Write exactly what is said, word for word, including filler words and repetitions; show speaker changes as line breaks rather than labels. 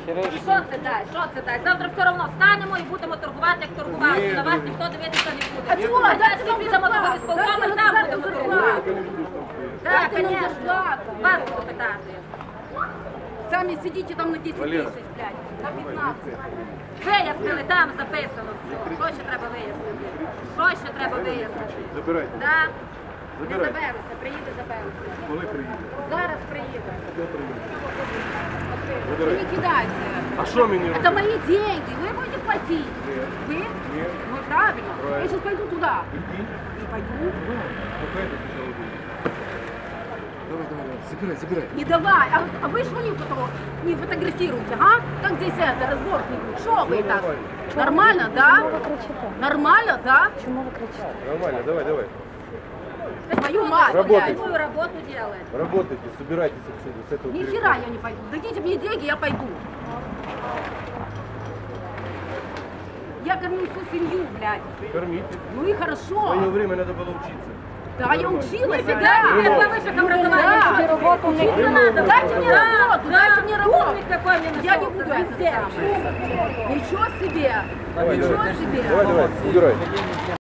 І що це дасть? Що це дасть? Завтра все одно станемо і будемо торгувати, як торгували. На вас ніхто дивитися не буде.
А чого?
Дайте ми підемо до горисполкому, і там будемо торгувати. Так, звісно. Вас буду питати.
Сами сидите там на десять тысяч, блядь, на пятнадцать.
Вияснили, там записано все. Що ще треба вияснити? Що ще треба вияснити?
Забирайте.
Так? Не
Забирайте.
заберуся, приїде, заберуся.
Коли приїде?
Зараз приїде.
Вы не кидайте.
А що мені робити?
Это мои деньги, вы будете платить.
Нет.
Вы?
Нет.
Ну правильно.
Правильно.
Я сейчас пойду туда.
Иди.
Не пойду.
Пока это сначала будет. Давай, давай, давай. Забирай, забирай.
Не давай. А, а вы что не, фото, не фотографируете, а? Как здесь это, разбор не будет? Что вы так? Нормально, да? Нормально, да?
Нормально, давай, давай.
Твою мать,
Работайте.
блядь.
Какую работу делать?
Работайте, собирайтесь отсюда, с этого
Ни
перехода.
хера я не пойду. Дадите мне деньги, я пойду. Я кормлю всю семью, блядь.
Кормите.
Ну и
В
хорошо.
свое время надо было учиться.
Да, я училась,
Нифига
да.
себе, по высших образованиях.
Да.
Работу учиться надо.
Дайте мне работу, дайте мне работу.
Умник какой мне
Я не
нашелся,
буду это
звезде.
самое. Ничего себе.
Давай,
Ничего
давай.
себе.
Давай, давай, убирай.